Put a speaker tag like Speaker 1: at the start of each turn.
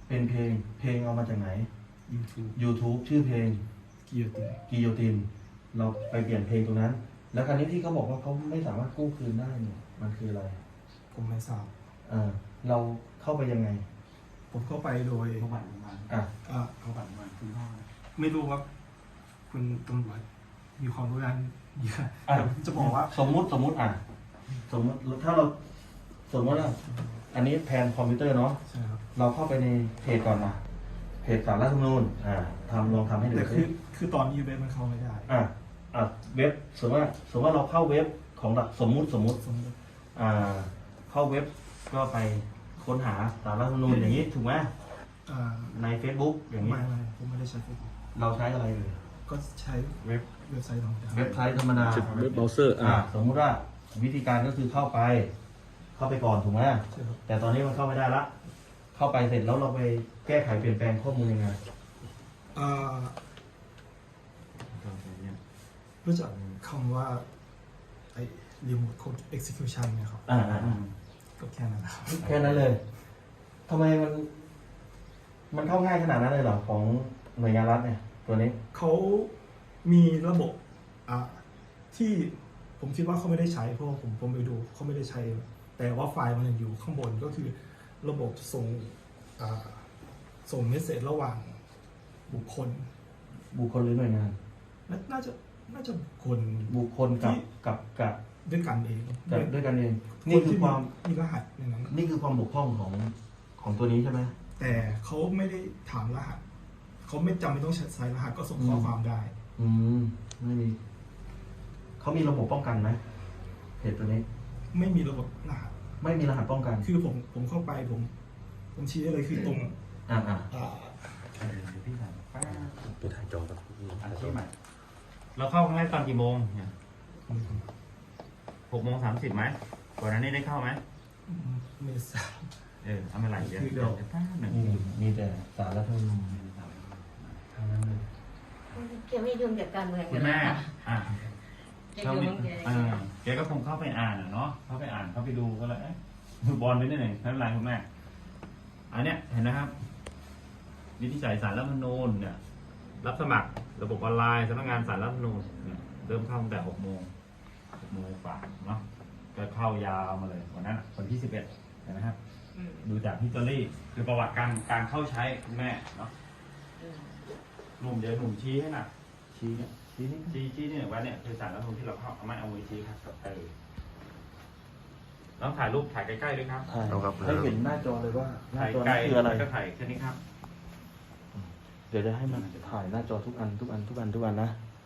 Speaker 1: เป็นเพลงเอามาจากไหน YouTube ชื่อเพลงกิโยตินเราไปเปลี่ยนเพลงตรงนั้น แล้วคราวนี้ที่เขาบอกว่าเขาไม่สามารถกู้คืนได้เนี่ยมันคืออะไร
Speaker 2: ผมไม่ทราบ
Speaker 1: เราเข้าไปยังไง
Speaker 2: ผมเข้าไปโดย
Speaker 3: เขาบัตรโรงพยาบาล เขาบัตรโรงพยาบาลคุณพ่อ
Speaker 2: ไม่รู้ว่าคุณตำรวจมีความรู้ด้านเยอะ
Speaker 1: อ่ะ
Speaker 2: จะบอกว่า
Speaker 1: สมมุติถ้าเราสมมติว่าอันนี้แผนคอมพิวเตอร์เนาะ
Speaker 2: ใช่ครับ
Speaker 1: เราเข้าไปในเพจก่อนนะเพจสารรัฐธรรมนูญลองทำให้ดู
Speaker 2: แต่คือตอนนี้เว็บมันเข้าไม่ได้
Speaker 1: เว็บสมมติว่าเราเข้าเว็บของสมมุติ เข้าเว็บก็ไปค้นหาสารรัฐธรรมนูญอย่างนี้ถูกไหมใน Facebook อย่างนี้
Speaker 2: ไม่ผมไม่ได้ใช้ Facebook
Speaker 1: เราใช้อะไรเลย
Speaker 2: ก็ใช้
Speaker 3: เว็บ
Speaker 2: เว็บไซต์ธรรมดา
Speaker 1: เว็บไซต์ธรรมดา
Speaker 4: เว็บเบราว์เซอร์
Speaker 1: สมมุติว่าวิธีการก็คือเข้าไปก่อนถูกไหม
Speaker 2: ใช่ครับ
Speaker 1: แต่ตอนนี้มันเข้าไม่ได้ละเข้าไปเสร็จแล้วเราไปแก้ไขเปลี่ยนแปลงข้อมูลยังไง
Speaker 2: รู้จักคำว่าไอ้ remote code execution เนี่ยครับก็แค่นั้นนะครับ
Speaker 1: แค่นั้นเลยทำไมมันเข้าง่ายขนาดนั้นเลยเหรอของหน่วยงานรัฐเนี่ยตัวนี้
Speaker 2: เขามีระบบที่ผมคิดว่าเขาไม่ได้ใช้เพราะว่าผมไปดูเขาไม่ได้ใช้ แต่ว่าไฟล์มันยังอยู่ข้างบนก็คือระบบส่งเมสเสจระหว่างบุคคล
Speaker 1: หรือหน่วยงาน
Speaker 2: น่าจะบุคคล
Speaker 1: บุคคลกับ
Speaker 2: ด้วยกันเอง
Speaker 1: ด้วยกันเอง
Speaker 2: นี่
Speaker 1: นี่
Speaker 2: คื
Speaker 1: คือ อความ
Speaker 2: มีรหัสในนั้น
Speaker 1: นี่คือความบกพร่องของตัวนี้ใช่ไหม
Speaker 2: แต่เขาไม่ได้ถามรหัสเขาไม่จำเป็นต้องใช้รหัสก็ส่งข้อความได้
Speaker 1: ไม่มีเขามีระบบป้องกันไหมเพจตัวนี้
Speaker 2: ไม่มีระบบรหัส
Speaker 1: ไม่มีรหัสป้องกัน
Speaker 2: คือผมเข้าไปผมชี้ได้เลยคือตรง
Speaker 1: อ่า
Speaker 3: เดี๋ยวพี่ถามป้า
Speaker 4: ตัวถ่ายจอครับ
Speaker 3: อาชีพใหม่เราเข้าครั้งแรกตอนกี่โมงเนี่ย6:30ไหมก่อนหน้านี้ได้เข้าไหม
Speaker 2: ไม่ทราบ
Speaker 3: เอาไม่ไหลเดี๋ยวแป๊บหนึ่ง
Speaker 1: มีแต่สารรัฐธรรมนูญทางนั้นเลย
Speaker 5: แกไม่ยุ่งกับการเมือง
Speaker 3: คุณแม่
Speaker 5: แกยุ่งแก
Speaker 3: แกก็คงเข้าไปอ่านเนาะเข้าไปดูก็เลยดูบอลไปนิดหนึ่งไม่เป็นไรคุณแม่อันเนี้ยเห็นนะครับวิธีจ่ายสารรัฐธรรมนูญเนี่ยรับสมัครระบบออนไลน์สำนักงานสารรัฐธรรมนูญเนี่ยเริ่มเข้าตั้งแต่6 โมงกว่าเนาะก็เข้ายาวมาเลยวันนั้นวันที่11เห็นไหมครับดูจากฮิสตอรี่คือประวัติการเข้าใช้คุณแม่เนาะหนุ่มเดี๋ยวหนุ่มชี้ให้หน่ะชี้เนี่ยชี้นี่ว่าเนี่ยคือสารรัฐธรรมนูญที่เราเข้าเอาไม้เอามือชี้ครับกับต้องถ่ายรูปถ่ายใกล้ๆด้วยครับ
Speaker 1: ให้เห็นหน้าจอเลยว่าหน้า
Speaker 3: ถ่าย
Speaker 1: จอ
Speaker 3: ไกล
Speaker 1: นี้คืออะไร
Speaker 3: ก็ถ่ายแค่นี้ครับ
Speaker 1: เดี๋ยวจะให้มันถ่ายหน้าจอทุกอันนะ